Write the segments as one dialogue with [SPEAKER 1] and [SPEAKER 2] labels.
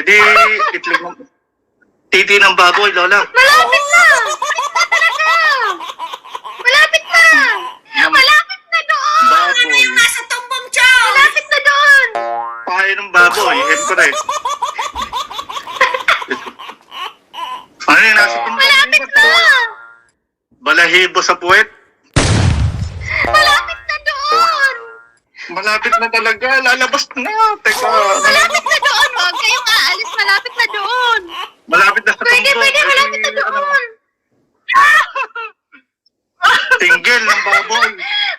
[SPEAKER 1] Hindi, itlog ng... Titi ng baboy, Lola.
[SPEAKER 2] Malapit na! Talaga! Malapit na! Malapit na doon!
[SPEAKER 1] Baboy.
[SPEAKER 2] Ano yung nasa tumbong chow? Malapit na doon!
[SPEAKER 1] Pahay ng baboy, siyempre. Ano yung nasa tumbang?
[SPEAKER 2] Malapit na!
[SPEAKER 1] Balahibo sa puwet?
[SPEAKER 2] Malapit na doon!
[SPEAKER 1] Malapit na talaga, lalabas na. Teka.
[SPEAKER 2] Malapit na doon! Huwag kayong aalis, malapit na doon!
[SPEAKER 1] Malapit na sa tumbang.
[SPEAKER 2] Pwede, malapit na doon!
[SPEAKER 1] Tinggil ng baboy.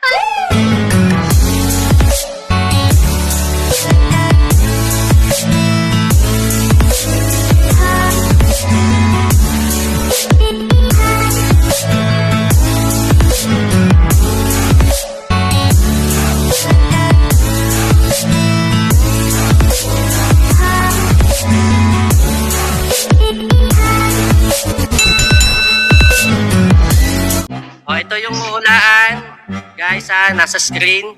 [SPEAKER 3] O, ito yung hulaan. Guys, nasa screen.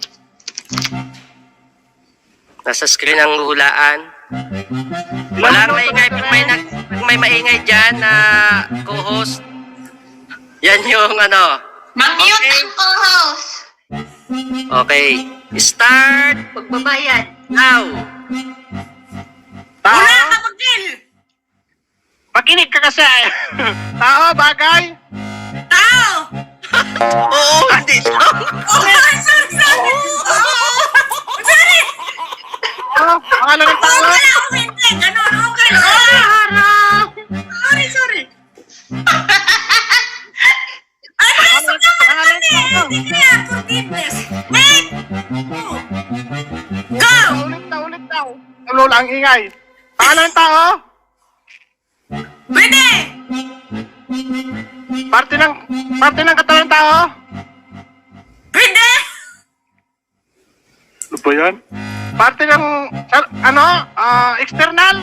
[SPEAKER 3] Nasa screen ang hulaan. Walang maingay. Pag may maingay dyan na co-host, yan yung ano.
[SPEAKER 2] Mag-mute
[SPEAKER 3] Okay.
[SPEAKER 2] ang co-host!
[SPEAKER 3] Okay. Start
[SPEAKER 2] Pagbabayad.
[SPEAKER 3] now.
[SPEAKER 4] Tao?
[SPEAKER 2] Wala ka, Magdil!
[SPEAKER 4] Makinig ka kasi. Tao, bagay.
[SPEAKER 2] Tao!
[SPEAKER 3] Oo, hindi.
[SPEAKER 2] Sorry! Sorry!
[SPEAKER 4] Ano? Pangalan ng tao?
[SPEAKER 2] Wala akong hindi! Ganun, okay. Harap! Sorry! Ay, masok naman kasi! Hindi kaya forgiveness. Wait! Go!
[SPEAKER 4] Ulit daw. Ano lang ingay. Pangalan ng tao?
[SPEAKER 2] Pwede!
[SPEAKER 4] Parte ng katawan ng tao?
[SPEAKER 2] Pwede!
[SPEAKER 4] Ano ba yan? Parte ng, external?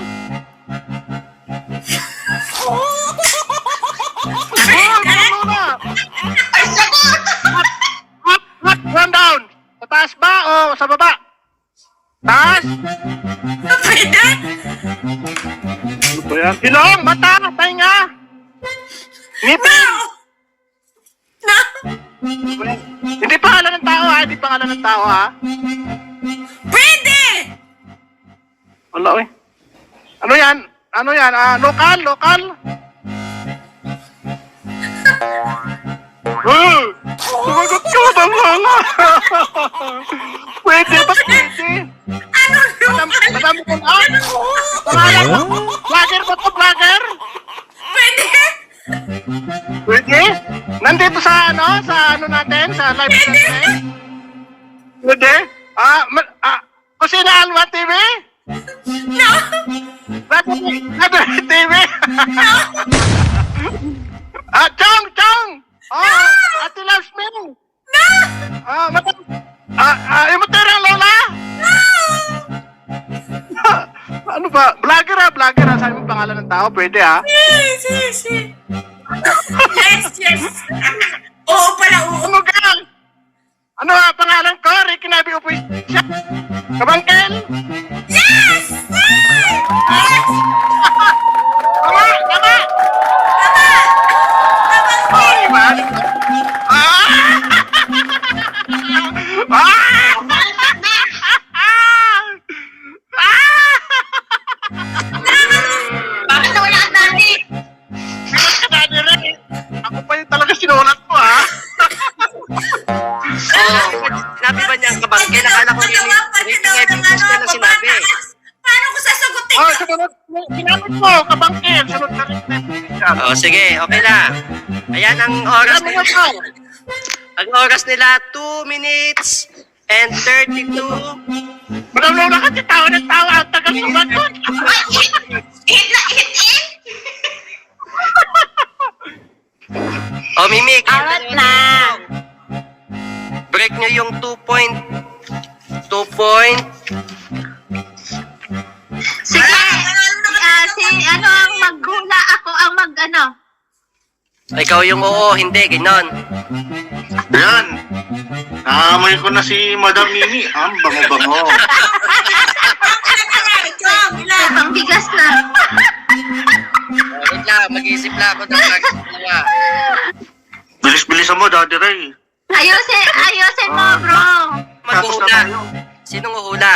[SPEAKER 2] Ay, sagot!
[SPEAKER 4] Up, one down. Sa taas ba o sa baba? Taas?
[SPEAKER 2] Pwede?
[SPEAKER 4] Ano ba yan? Ilong, mata, tainga. Ngipin.
[SPEAKER 2] No!
[SPEAKER 4] Hindi pangalan ng tao ha, hindi pangalan ng tao ha.
[SPEAKER 2] Pwede!
[SPEAKER 4] Wala eh. Ano yan? Lokal? Sumagot ka ba mga? Pwede ba pwede?
[SPEAKER 2] Ano naman?
[SPEAKER 4] Madami ko na? Pangalan mo? Vlogger ba to? Vlogger?
[SPEAKER 2] Pwede?
[SPEAKER 4] Pwede? Nandito sa natin? Sa live natin? Pwede? Kusina Alma TV?
[SPEAKER 2] No!
[SPEAKER 4] Radyo TV? Chong! Oh, Ate loves me.
[SPEAKER 2] No!
[SPEAKER 4] Imuterang Lola? Ano ba? Vlogger ha? Sabi mo pangalan ng tao? Pwede ha?
[SPEAKER 2] Yes! Oo pala, oo.
[SPEAKER 4] Ano ka? Ano ha? Pangalan ko? Ricky Nabi Upoy siya? Kabangkel?
[SPEAKER 2] Yes!
[SPEAKER 4] Tama! Ay, man!
[SPEAKER 2] Bakit nawala ka dati?
[SPEAKER 4] Ako pa yung talaga sinulat mo, ha?
[SPEAKER 3] Sinabi ba niyang kabangke? Nakala ko rin na sinabi.
[SPEAKER 2] Paano ko sasagutin
[SPEAKER 4] Oh,
[SPEAKER 2] yun?
[SPEAKER 4] sunod. Sinabot mo, kabangkil. Sunod na rin.
[SPEAKER 3] O, sige, okay na. Ayan ang oras
[SPEAKER 4] Sabi
[SPEAKER 3] nila.
[SPEAKER 4] mo pa.
[SPEAKER 3] Ang oras nila, 2 minutes and 32.
[SPEAKER 4] Madam Lola kasi tawa ng tawa. Ang tagal sumagot.
[SPEAKER 2] Ay, hit in!
[SPEAKER 3] O, Mimik.
[SPEAKER 2] Awat na!
[SPEAKER 3] Break nyo yung 2 point.
[SPEAKER 2] Sige, ano ang maghula, ako ang mag-ano.
[SPEAKER 3] Ikaw yung oo, hindi, ganon.
[SPEAKER 1] Yan. Naamoy ko na si Madam Mimi. Ang bango-bango.
[SPEAKER 2] Chong, ilan? bigas na.
[SPEAKER 3] Wait lang, mag-iisip lang ako ng dalawa.
[SPEAKER 1] Bilis-bilisan mo, Daddy Ray.
[SPEAKER 2] Ayusin mo, bro.
[SPEAKER 1] Tapos na
[SPEAKER 3] Maghuhula.
[SPEAKER 1] tayo.
[SPEAKER 3] Sinong huhula?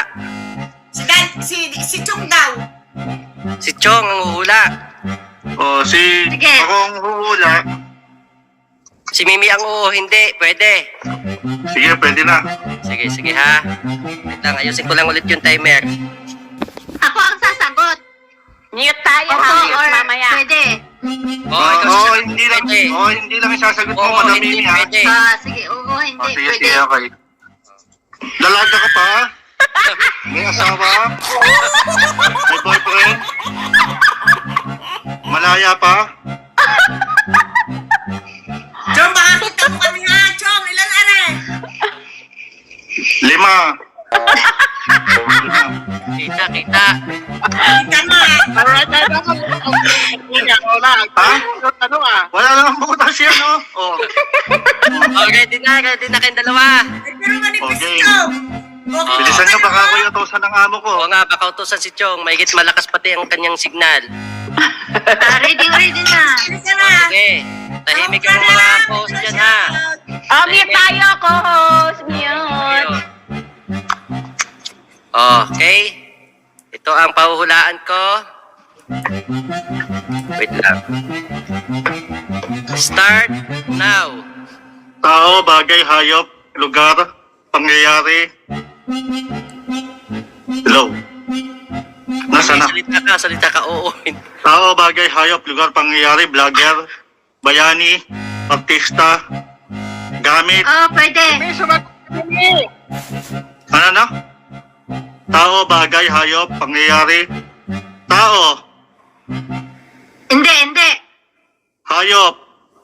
[SPEAKER 2] Si Chung daw.
[SPEAKER 3] Si Chong ang huhula.
[SPEAKER 2] Sige.
[SPEAKER 1] Ako ang huhula.
[SPEAKER 3] Si Mimi ang hindi. Pwede.
[SPEAKER 1] Sige, pwede na.
[SPEAKER 3] Sige ha. Wait lang, ayusin ko lang ulit yung timer.
[SPEAKER 2] Ako ang sasagot.
[SPEAKER 5] Mute tayo
[SPEAKER 2] Opo,
[SPEAKER 5] ha, mute
[SPEAKER 2] or
[SPEAKER 5] mamaya.
[SPEAKER 2] pwede.
[SPEAKER 1] Hindi lang.
[SPEAKER 3] Pwede.
[SPEAKER 1] Hindi lang isasagot mo,
[SPEAKER 3] Oo,
[SPEAKER 1] Madam
[SPEAKER 3] hindi
[SPEAKER 1] Mimi, ha?
[SPEAKER 3] pwede.
[SPEAKER 2] Sige, oo, hindi.
[SPEAKER 1] Sige,
[SPEAKER 2] Pwede.
[SPEAKER 1] sige, okay. Dalaga ka pa? May asawa? May boyfriend? Malaya pa?
[SPEAKER 2] Chong, baka kita mo kami ha. Chong, ilan are?
[SPEAKER 1] 5. 5.
[SPEAKER 3] Kita.
[SPEAKER 2] Kita na.
[SPEAKER 4] Alright, wala.
[SPEAKER 1] Ha?
[SPEAKER 4] Ano ah?
[SPEAKER 1] Wala naman butas yan, no? Oh.
[SPEAKER 3] Oh, ready na kayong dalawa.
[SPEAKER 2] Pero manipis
[SPEAKER 1] Okay.
[SPEAKER 2] si Chong. Okay.
[SPEAKER 1] Bilisan nyo, baka ako yung utosan ng amo ko.
[SPEAKER 3] Oo nga, baka utusan si Chong. Mahigit malakas pati ang kanyang signal.
[SPEAKER 2] Ready na. Bilisan na.
[SPEAKER 3] Sige, tahimik ang mga host dyan ha.
[SPEAKER 5] Oh, mute tayo, co-host. Mute.
[SPEAKER 3] Ayun. Okay. Ito ang pahuhulaan ko. Wait lang. Start now.
[SPEAKER 1] Tao, bagay, hayop, lugar, pangyayari. Hello? Nasaan na?
[SPEAKER 3] Salita ka, oo.
[SPEAKER 1] Tao, bagay, hayop, lugar, pangyayari, vlogger, bayani, artista, gamit.
[SPEAKER 2] Pwede.
[SPEAKER 4] May sumagot mo.
[SPEAKER 1] Ano na? Tao, bagay, hayop, pangyayari. Tao,
[SPEAKER 2] Hindi.
[SPEAKER 1] hayop,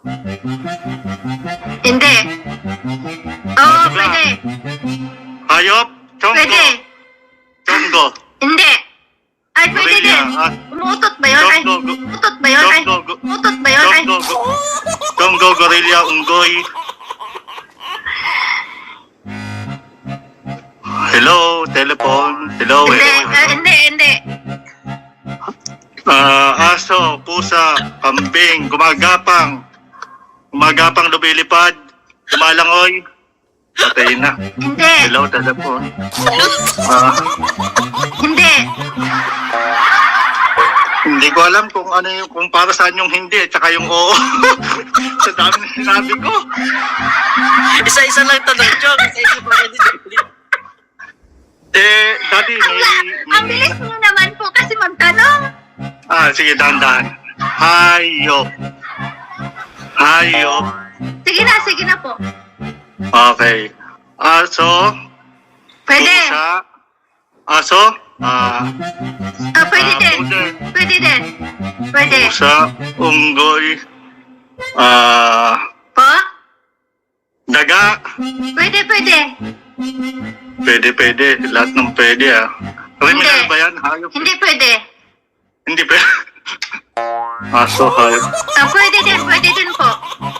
[SPEAKER 2] Hindi. Oo, pwede.
[SPEAKER 1] hayop, chonggo,
[SPEAKER 2] Pwede.
[SPEAKER 1] chonggo,
[SPEAKER 2] Hindi. Ay, pwede
[SPEAKER 1] gorilla,
[SPEAKER 2] din. Umuutot ba yun? Ay, umuutot ba yun? Ay, umuutot ba yun? Ay,
[SPEAKER 1] chonggo, gorilla, unggoy. Hello, telephone. Hello,
[SPEAKER 2] hindi.
[SPEAKER 1] Aso, pusa, kambing, gumagapang, lumilipad, lumalangoy. Patay na.
[SPEAKER 2] Hindi.
[SPEAKER 1] Hello, telephone.
[SPEAKER 2] Hindi.
[SPEAKER 1] Hindi ko alam kung ano yung, kung para saan yung hindi at saka yung oo. Sa dami na sinabi ko.
[SPEAKER 3] Isa-isa lang tanong, Chong. Isa-isa pa rin dito.
[SPEAKER 1] Daddy,
[SPEAKER 2] Ang bilis mo naman po kasi magtanong.
[SPEAKER 1] sige, dahan-dahan. Hayop. Hayop.
[SPEAKER 2] Sige na po.
[SPEAKER 1] Okay. Aso.
[SPEAKER 2] Pwede.
[SPEAKER 1] Pusa. Aso.
[SPEAKER 2] Pwede din. Pwede din. Pwede.
[SPEAKER 1] Pusa. Unggoy.
[SPEAKER 2] Po?
[SPEAKER 1] Daga.
[SPEAKER 2] Pwede.
[SPEAKER 1] Pwede. Lahat ng pwede, ah. Criminal
[SPEAKER 2] Hindi.
[SPEAKER 1] ba yan? Hayop?
[SPEAKER 2] Hindi pwede.
[SPEAKER 1] Hindi pwede. Aso, hayop.
[SPEAKER 2] Pwede din po.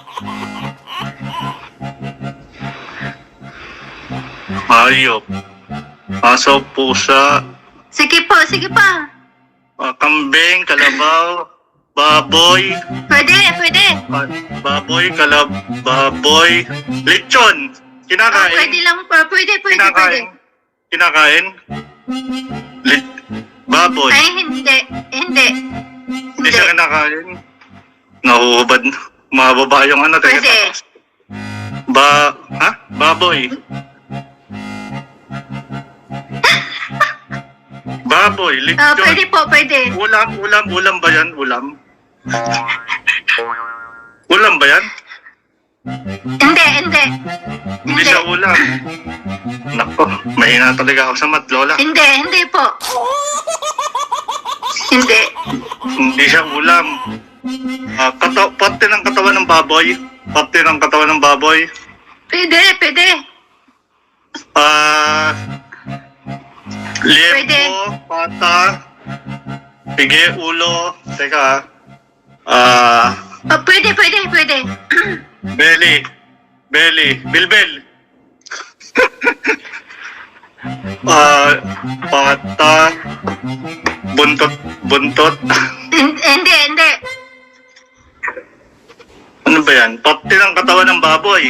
[SPEAKER 1] Hayop. Aso, pusa.
[SPEAKER 2] Sige pa.
[SPEAKER 1] Kambing, kalabaw. Baboy.
[SPEAKER 2] Pwede.
[SPEAKER 1] Baboy, baboy. Lechon. Kinakain.
[SPEAKER 2] Pwede lang po. Pwede.
[SPEAKER 1] Kinakain. Baboy.
[SPEAKER 2] Ay, hindi.
[SPEAKER 1] Hindi siya kinakain. Nahuhubad. Mababa yung ano. teka.
[SPEAKER 2] Pwede.
[SPEAKER 1] Baboy. Baboy, lechon.
[SPEAKER 2] Pwede po.
[SPEAKER 1] Ulam ba yan? Ulam ba yan?
[SPEAKER 2] Hindi.
[SPEAKER 1] Hindi siya ulam. Nako, mahina talaga ako sa mat, Lola.
[SPEAKER 2] Hindi po. Hindi.
[SPEAKER 1] Hindi siya ulam. Parte ng katawan ng baboy.
[SPEAKER 2] Pwede.
[SPEAKER 1] Liempo, pata, pigi, ulo. Teka.
[SPEAKER 2] Pwede.
[SPEAKER 1] Belly, bilbil. Pata, Buntot.
[SPEAKER 2] Hindi.
[SPEAKER 1] Ano ba yan? Parte ng katawan ng baboy.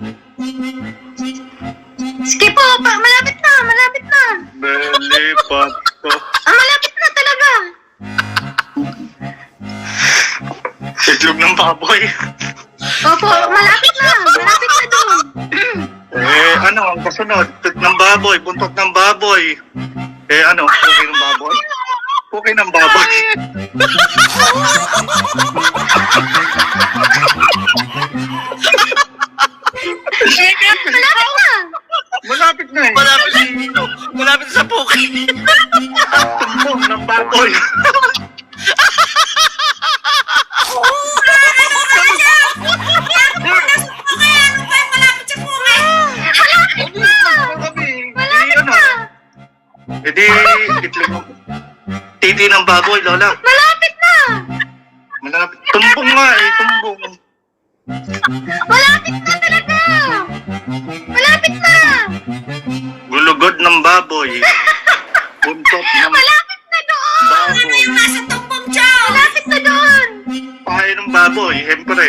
[SPEAKER 2] Sige po, malapit na.
[SPEAKER 1] Belly, pato.
[SPEAKER 2] Malapit na talaga.
[SPEAKER 1] Itlog ng baboy.
[SPEAKER 2] Opo, malapit na doon.
[SPEAKER 1] Ano, ang kasunod? Itlog ng baboy, buntot ng baboy. Ano, puki ng baboy? Puki ng baboy.
[SPEAKER 2] Malapit na.
[SPEAKER 1] Malapit na eh.
[SPEAKER 3] Malapit sa puki.
[SPEAKER 1] Tumbong ng baboy. Itlog. Titi ng baboy, Lola.
[SPEAKER 2] Malapit na.
[SPEAKER 1] Malapit. Tumbong nga eh, tumbong.
[SPEAKER 2] Malapit na talaga. Malapit na.
[SPEAKER 1] Gulugod ng baboy. Buntot ng
[SPEAKER 2] Malapit na doon.
[SPEAKER 1] baboy.
[SPEAKER 2] Nasa tumbong siya. Malapit na doon.
[SPEAKER 1] Pahay ng baboy, siyempre.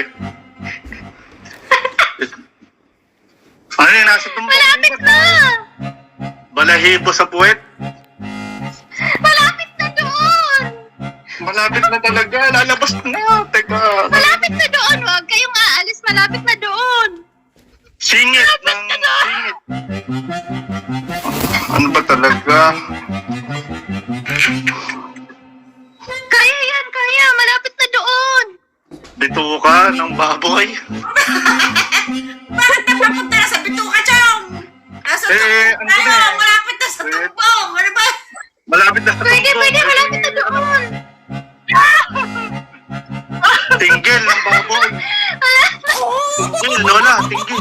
[SPEAKER 1] Ano yung nasa tumbong?
[SPEAKER 2] Malapit na.
[SPEAKER 1] Balahibo sa puwet.
[SPEAKER 2] Malapit na doon.
[SPEAKER 1] Malapit na talaga, lalabas na. Teka.
[SPEAKER 2] Malapit na doon. Huwag kayong aalis. Malapit na doon.
[SPEAKER 1] Singit ng singit. Ano ba talaga?
[SPEAKER 2] Kaya yan, kaya. Malapit na doon.
[SPEAKER 1] Bituka ng baboy.
[SPEAKER 2] Bakit napapunta na sa bituka, Chong? Nasa
[SPEAKER 1] ano ba eh?
[SPEAKER 2] Malapit na sa tumbong. Ano ba?
[SPEAKER 1] Malapit na sa
[SPEAKER 2] Pwede,
[SPEAKER 1] tumbong.
[SPEAKER 2] malapit na doon.
[SPEAKER 1] Tinggil ng baboy. Tinggil, Lola, tinggil.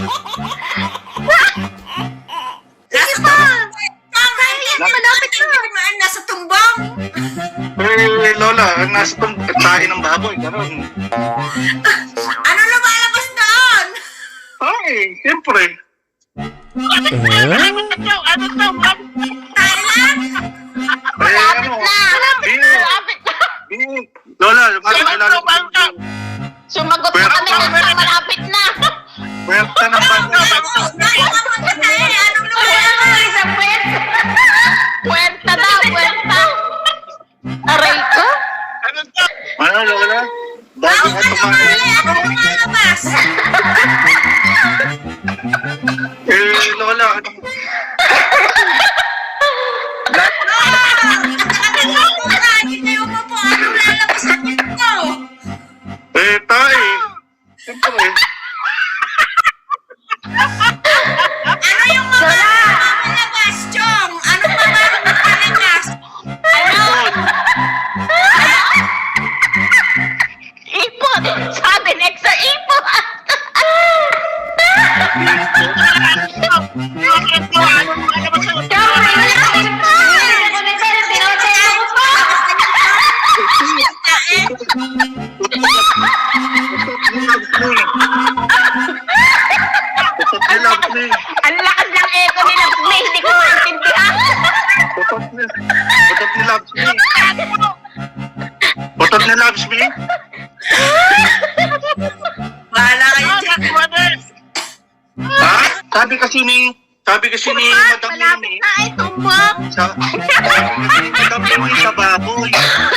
[SPEAKER 2] Sige pa. Malapit na. Nasa tumbong.
[SPEAKER 1] Lola, nasa tayo ng baboy. Ganon.
[SPEAKER 2] Ano lumalabas doon?
[SPEAKER 1] Ay, siyempre.
[SPEAKER 2] Thailand?
[SPEAKER 1] Malapit
[SPEAKER 2] na. Malapit na.
[SPEAKER 1] Lola, malapit na.
[SPEAKER 5] Sumagot na kami ng malapit na.
[SPEAKER 1] Puwerta ng baboy.
[SPEAKER 2] Anong lumalabas?
[SPEAKER 5] Sa puwet. Puwenta daw, puwenta. Aray ko.
[SPEAKER 1] Ano, Lola? Bago ka tumahin.
[SPEAKER 2] Anong lumalabas?
[SPEAKER 1] Lola, ano?
[SPEAKER 2] Hindi kayo mo po. Anong lalabas sa dito?
[SPEAKER 1] Tay. Siyempre.
[SPEAKER 2] Ano yung mga lumalabas, Chong? Anong mga lumalabas?
[SPEAKER 5] Ipon. Sabi next sa ipon.
[SPEAKER 1] Putot ni Labs ni.
[SPEAKER 5] Ang lakas ng echo ni Labs ni. Hindi ko maintindihan.
[SPEAKER 1] Putot ni Labs ni. Putot ni Labs ni.
[SPEAKER 2] Bahala kayo dyan.
[SPEAKER 1] Ha? Sabi kasi ni Madam Nini.
[SPEAKER 2] Ay, tumbok.
[SPEAKER 1] Sabi ni Madam Nini sa baboy.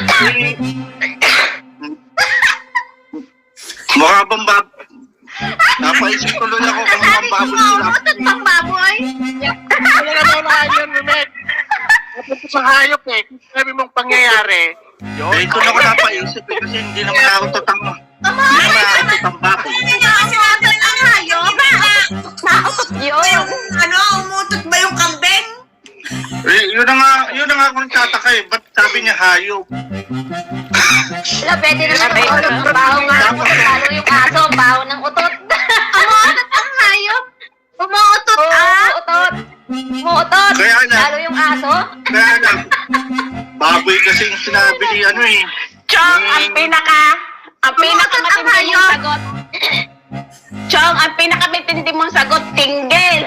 [SPEAKER 1] Mukha bang baboy? Napaisip tuloy ako kung mukhang baboy ni Labs
[SPEAKER 2] Umutot
[SPEAKER 1] ni.
[SPEAKER 2] pang baboy.
[SPEAKER 4] Ano na daw na yun, Mehmet? Napunta sa hayop eh. Kung sabi mong pangyayari.
[SPEAKER 1] Eh, ito na ko napaisip eh, kasi hindi naman ako totang. Hindi naman ako totang baboy.
[SPEAKER 2] Hindi niya kasi water ng hayop.
[SPEAKER 5] Nautot yun.
[SPEAKER 2] Ano, umutot ba yung kambing?
[SPEAKER 1] Yun na nga ako nagtataka eh. Ba't sabi niya hayop?
[SPEAKER 5] Wala, pwede naman utot. Baho nga ng utot. Lalo yung aso, baho ng utot.
[SPEAKER 2] Umutot ang hayop. Umutot
[SPEAKER 5] Umuutot. Umuutot.
[SPEAKER 1] Kaya na.
[SPEAKER 5] Lalo yung aso.
[SPEAKER 1] Kaya lang, baboy kasi yung sinabi ni ano eh.
[SPEAKER 5] Chong, ang pinakamatindi mong sagot. Chong, ang pinakamatindi mong sagot, tinggil.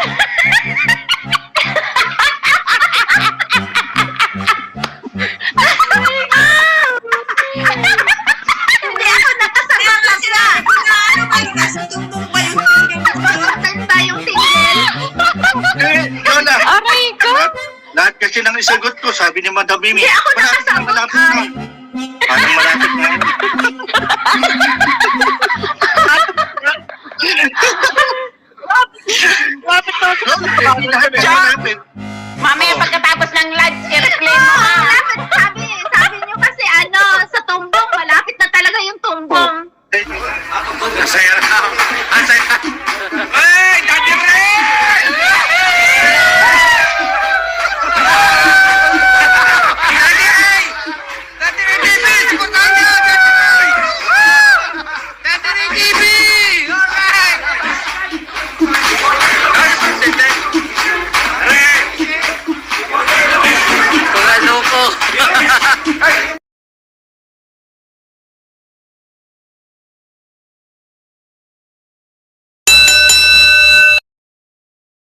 [SPEAKER 1] Lola.
[SPEAKER 5] Aray ko.
[SPEAKER 1] Lahat kasi ng isagot ko, sabi ni Madam Mimi.
[SPEAKER 2] Hindi ako
[SPEAKER 1] malapit na,
[SPEAKER 2] nakasagot,
[SPEAKER 1] malapit na. Parang malapit na.
[SPEAKER 4] Lapit na.
[SPEAKER 1] Malapit.
[SPEAKER 5] Mamaya pagkatapos ng lunch, i-reclaim mo ha.
[SPEAKER 2] Malapit, sabi niyo kasi sa tumbong, malapit na talaga yung tumbong.
[SPEAKER 1] Ang saya na. Ang saya. Hey, Daddy Ray! Daddy Ray! Daddy Ray TV! Siputan niyo! Daddy Ray! Daddy Ray TV! Alright!
[SPEAKER 3] Mga loko.